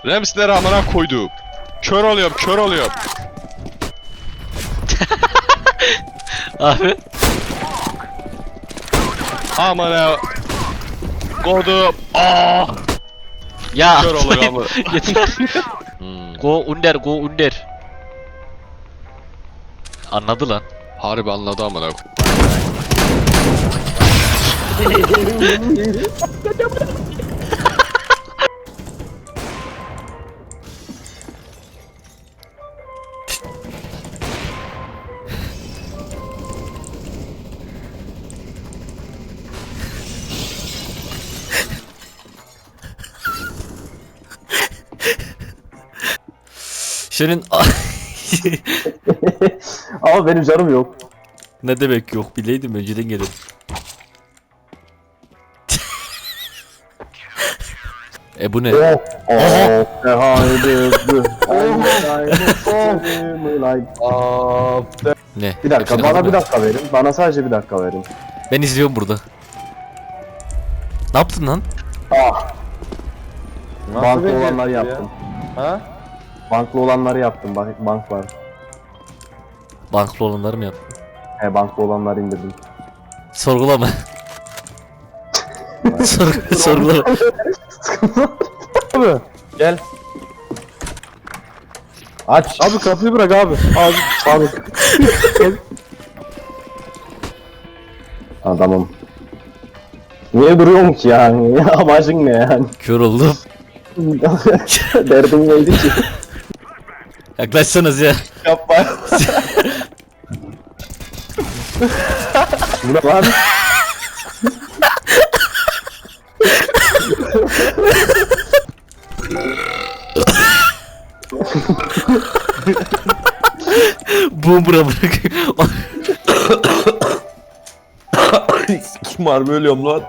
Remsleri amına koydum. Kör oluyorum, kör oluyorum. Abi. Amına koydum. Aa! Ya Kör oluyor ama. yeter. Go under, go under. Anladı lan. Harbi anladı amına. Senin Ama benim canım yok. ne demek yok, bileydim önceden gelirdim. Bu ne? Oh. Oh. Haydi. Ne? Bir dakika, Hepsini bana aldın bir mı? dakika verin. Bana sadece bir dakika verin. Ben izliyorum burada. Ne yaptın lan? Ah. Banklı becerdin olanları ya? yaptım. Ha? Banklı olanları yaptım. Bank var. Banklı olanları mı yaptın? Banklı olanları indirdim. Sorgulama. Sorgulama. Abi gel. Aç. Abi kapıyı bırak abi. Abi. Adamım. Niye duruyorum ki yani? Amacın ne yani? Kör oldum. Derdin neydi ki? Yaklaşsanız ya. Yapma. Bu ne lan? Boomber'a bırak. Kim harbi ölüyorum lan.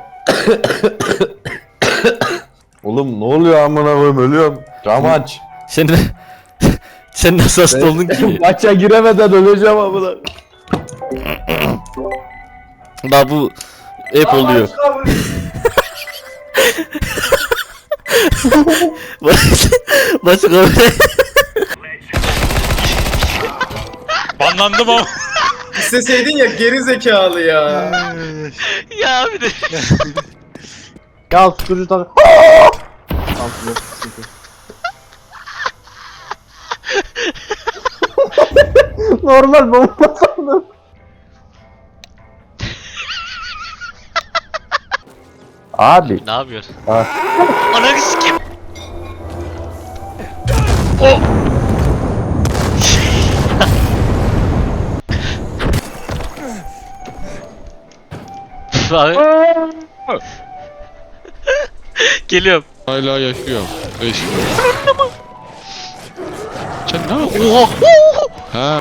Oğlum ne oluyor amına koyayım ölüyorum. Cam aç. Sen nasıl hasta oldun ki? Maça giremeden öleceğim amına. Daha bu hep oluyor. Başka Banlandım ama. İsteseydin ya geri zekalı ya. ya bir de Ya tutucu tak. Normal bomba sandım. Abi. ne yapıyor? Ha. Ananı sikeyim. O. Abi. Geliyorum. Hala yaşıyorum. Yaşıyorum. Sen ne yapıyorsun? Oha. Ha.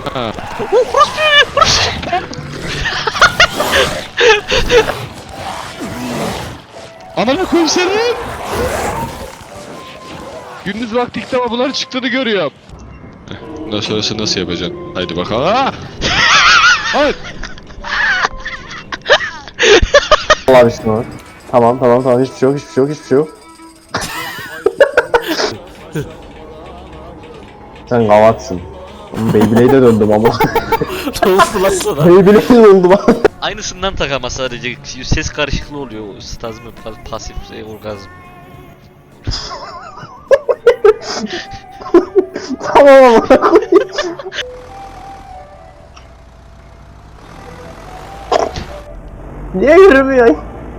Amına koyayım senin. Gündüz vakti ilk defa bunların çıktığını görüyorum. Bundan sonrası nasıl yapacaksın? Haydi bakalım. Ah! Hayır. Allah bismillah. Tamam hiçbir şey yok. Sen gavatsın. Beyblade'e döndüm ama. Ne oldu lan sana? Beyblade'e döndüm ama. Aynısından tak ama sadece ses karışıklığı oluyor. Stazm, pasif, orgazm. Tamam amına koyayım. Niye yürümüyor?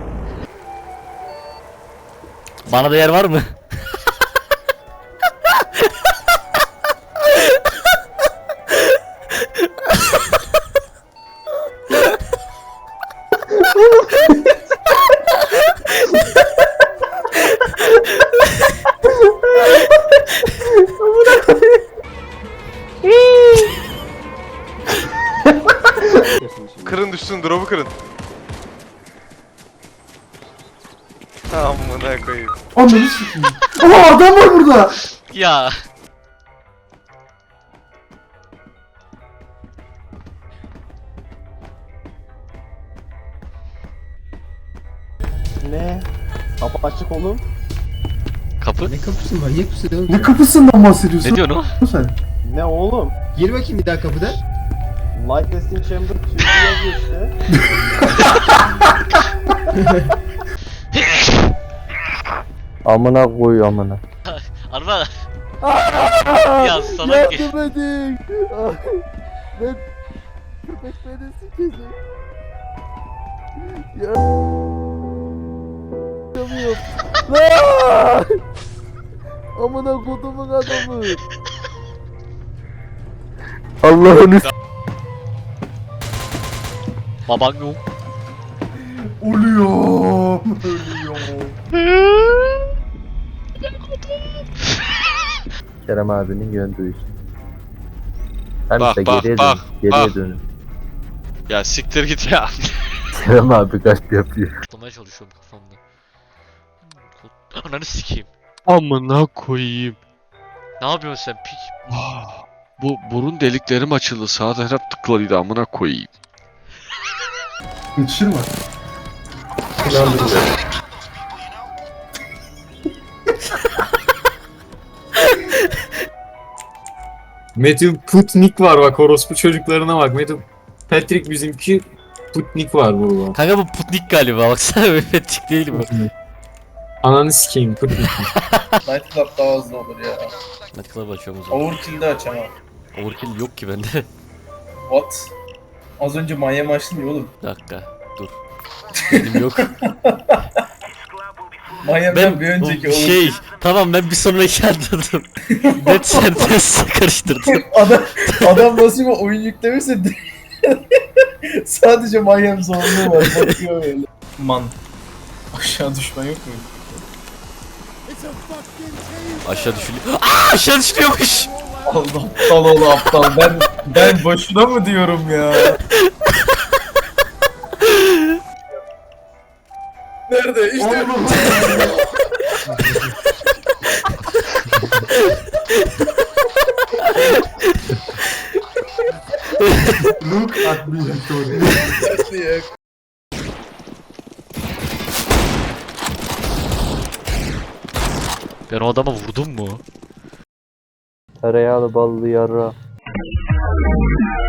Bana da yer var mı? Kırın düşsün, drop'u kırın. Amına koyayım. Ananı sikeyim. Ama adam var burada. Ya. Ne? Kapı açık oğlum. Kapı. Ne kapısı manyak mısın oğlum? Ne kapısından bahsediyorsun Ne diyorsun o? sen? Ne oğlum? Gir bakayım bir daha kapıdan. Light testing chamber tüyü yazıyor işte. Amına koy amına. Arma. Ya salak ya. edin. Ben köpek beni sikecek. Yapamıyorum. Lan! Amına kodumun adamı. Allah'ını Baban yok. Ölüyorum. Kerem abinin yön duyusu. Hem Bak, işte bak, geriye bak, dön. Geriye bak. dönün. Ya siktir git ya. Kerem abi kalp yapıyor. Atlamaya çalışıyorum kafamda. Ananı sikeyim. Amına koyayım. Ne yapıyorsun sen pik? Bu burun deliklerim açıldı. Sağ taraf tıklıydı amına koyayım. Yetişir mi? Matthew Putnik var bak, orospu çocuklarına bak. Matthew Patrick bizimki, Putnik var burada. Kanka bu Putnik galiba baksana Patrick değil bu. Ananı sikeyim Putnik. Night Club daha hızlı olur ya. Hadi club açıyorum o zaman. Overkill'de açamam. Overkill yok ki bende. What? Az önce Miami açtın ya oğlum. Bir dakika dur. Benim yok. Miami'den bir önceki şey tamam ben bir sonraki anladım. Net sentez karıştırdım. Adam nasıl bir oyun yüklemişse sadece Miami zorluğu var. Bakıyor böyle. Man. Aşağı düşman yok mu? Aşağı düşülüyor. Aa aşağı düşüyormuş. Allah aptal oğlu aptal. Ben boşuna mı diyorum ya? Nerede? İşte. Look at me Victoria. Ben o adama vurdum mu? Tereyağlı ballı yarra.